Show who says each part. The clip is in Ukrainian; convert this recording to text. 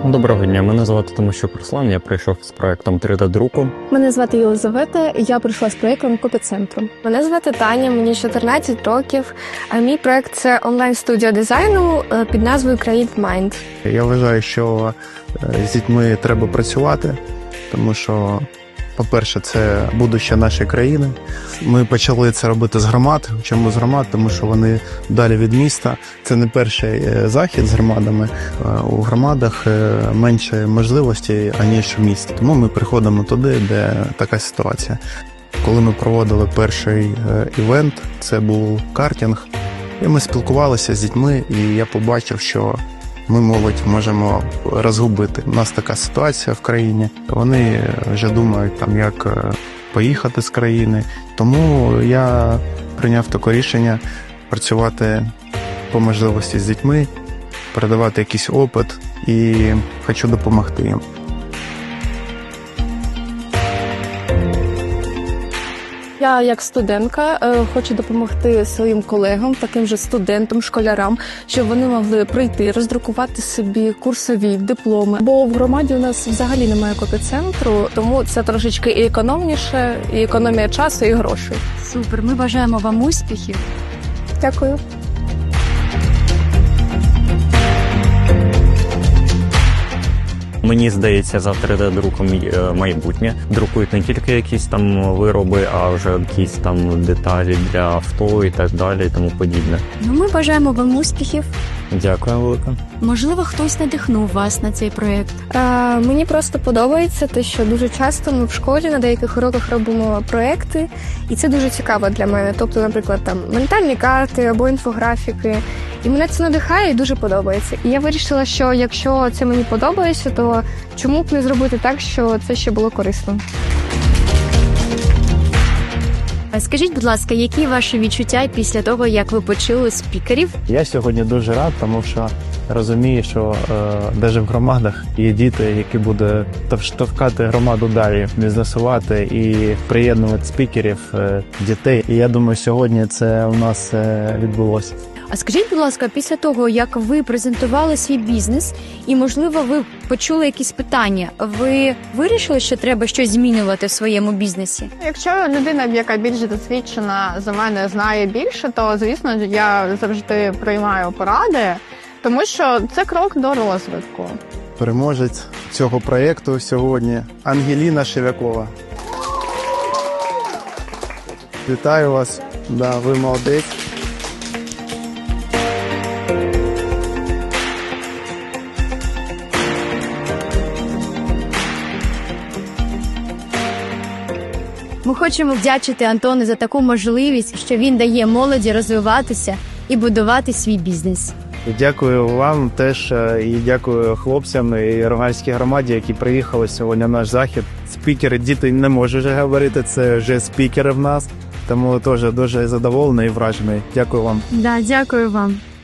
Speaker 1: Доброго дня, мене звати Тимощук Руслан, я прийшов з проектом 3D-друку.
Speaker 2: Мене звати Єлизавета, я прийшла з проєктом Копіцентру.
Speaker 3: Мене звати Таня, мені 14 років, а мій проект – це онлайн-студіо дизайну під назвою Create Mind.
Speaker 4: Я вважаю, що з дітьми треба працювати, тому що, по-перше, це будуще нашої країни. Ми почали це робити з громад. Чому з громад? Тому що вони далі від міста. Це не перший захід з громадами. У громадах менше можливостей, аніж в місті. Тому ми приходимо туди, де така ситуація. Коли ми проводили перший івент, це був картинг, і ми спілкувалися з дітьми, і я побачив, що ми молодь можемо розгубити. У нас така ситуація в країні. Вони вже думають, як поїхати з країни. Тому я прийняв таке рішення працювати по можливості з дітьми, передавати якийсь опит і хочу допомогти їм.
Speaker 2: Я, як студентка, хочу допомогти своїм колегам, таким же студентам, школярам, щоб вони могли прийти, роздрукувати собі курсові дипломи. Бо в громаді у нас взагалі немає копіцентру, тому це трошечки і економніше, і економія часу, і грошей.
Speaker 5: Супер, ми бажаємо вам успіхів.
Speaker 2: Дякую.
Speaker 1: Мені здається, за 3D-друком майбутнє. Друкують не тільки якісь там вироби, а вже якісь там деталі для авто і так далі, і тому подібне.
Speaker 5: Ми бажаємо вам успіхів.
Speaker 1: Дякую велике.
Speaker 5: Можливо, хтось надихнув вас на цей проєкт.
Speaker 3: Мені просто подобається те, що дуже часто ми в школі на деяких уроках робимо проекти, і це дуже цікаво для мене. Тобто, наприклад, ментальні карти або інфографіки. І мене це надихає і дуже подобається. І я вирішила, що якщо це мені подобається, то чому б не зробити так, що це ще було корисно.
Speaker 5: Скажіть, будь ласка, які ваші відчуття після того, як ви почули спікерів?
Speaker 6: Я сьогодні дуже рад, тому що розумію, що навіть в громадах є діти, які будуть штовхати громаду далі, бізнесувати і приєднувати спікерів, дітей. І я думаю, сьогодні це у нас відбулося.
Speaker 5: А скажіть, будь ласка, після того, як ви презентували свій бізнес і, можливо, ви почули якісь питання, ви вирішили, що треба щось змінювати в своєму бізнесі?
Speaker 7: Якщо людина, яка більш досвідчена за мене, знає більше, то, звісно, я завжди приймаю поради, тому що це крок до розвитку.
Speaker 4: Переможець цього проєкту сьогодні Ангеліна Шевякова. Вітаю вас, ви молодець.
Speaker 5: Ми хочемо вдячити Антону за таку можливість, що він дає молоді розвиватися і будувати свій бізнес.
Speaker 6: Дякую вам теж і дякую хлопцям і Рогальській громаді, які приїхали сьогодні на наш захід. Спікери, діти не можуть вже говорити, це вже спікери в нас, тому теж дуже задоволений і вражений. Дякую вам.
Speaker 5: Дякую вам.